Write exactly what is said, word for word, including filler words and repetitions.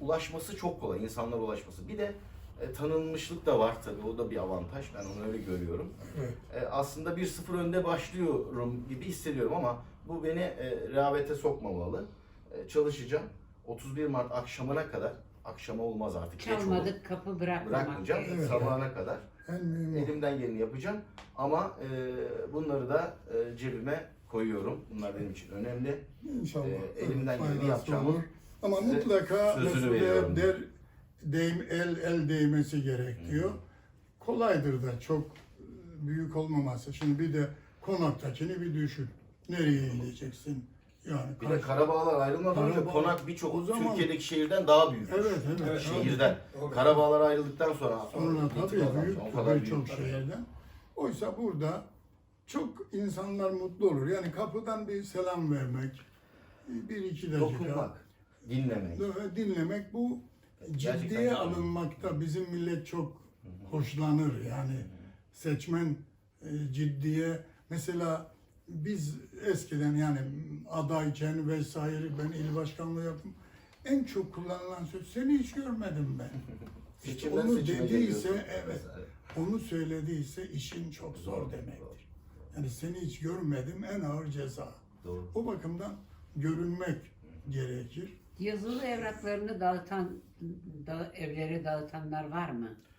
ulaşması çok kolay, insanlara ulaşması. Bir de e, tanınmışlık da var tabii, o da bir avantaj. Ben onu öyle görüyorum. Evet. E, aslında bir sıfır önde başlıyorum gibi hissediyorum ama bu beni e, rehavete sokmamalı. E, çalışacağım. otuz bir Mart akşamına kadar, akşama olmaz artık, geç olur. Çalmadık kapı bırakmamak Bırakmayacağım, gerekiyor. sabahına kadar. En mühim o. Elimden geleni yapacağım ama e, bunları da e, cebime koyuyorum. Bunlar benim için önemli. İnşallah. Ee, elimden faydası geleni yapacağım. olur. Ama Size mutlaka sözünü mesela veriyorum. der, deyim, el el değmesi gerekiyor. Hı. Kolaydır da çok büyük olmaması. Şimdi bir de konaktakini bir düşün. Nereye gideceksin? Yani Bir de kaç- Karabağlar ayrılmadan önce Karabağ- konak birçok O zaman- Türkiye'deki şehirden daha büyük. Evet, evet. Evet, Şehirden. Doğru. Karabağlar ayrıldıktan sonra Sonra bir tık tabii azalmış. büyük O kadar birçok büyük. şehirden. Oysa burada çok insanlar mutlu olur. Yani kapıdan bir selam vermek, bir iki dakika Dokunmak, dinlemek. dinlemek, bu Gerçekten ciddiye güzel. alınmakta bizim millet çok hoşlanır. Yani seçmen e, ciddiye, mesela biz eskiden yani adayken vesaire ben il başkanlığı yaptım. En çok kullanılan söz, seni hiç görmedim ben. İşte Seçimden onu seçime dediyse, geliyorsun. evet, onu söylediyse işin çok zor demektir. Yani seni hiç görmedim, en ağır ceza. Doğru. O bakımdan görünmek gerekir. Yazılı evraklarını dağıtan, da, evlere dağıtanlar var mı?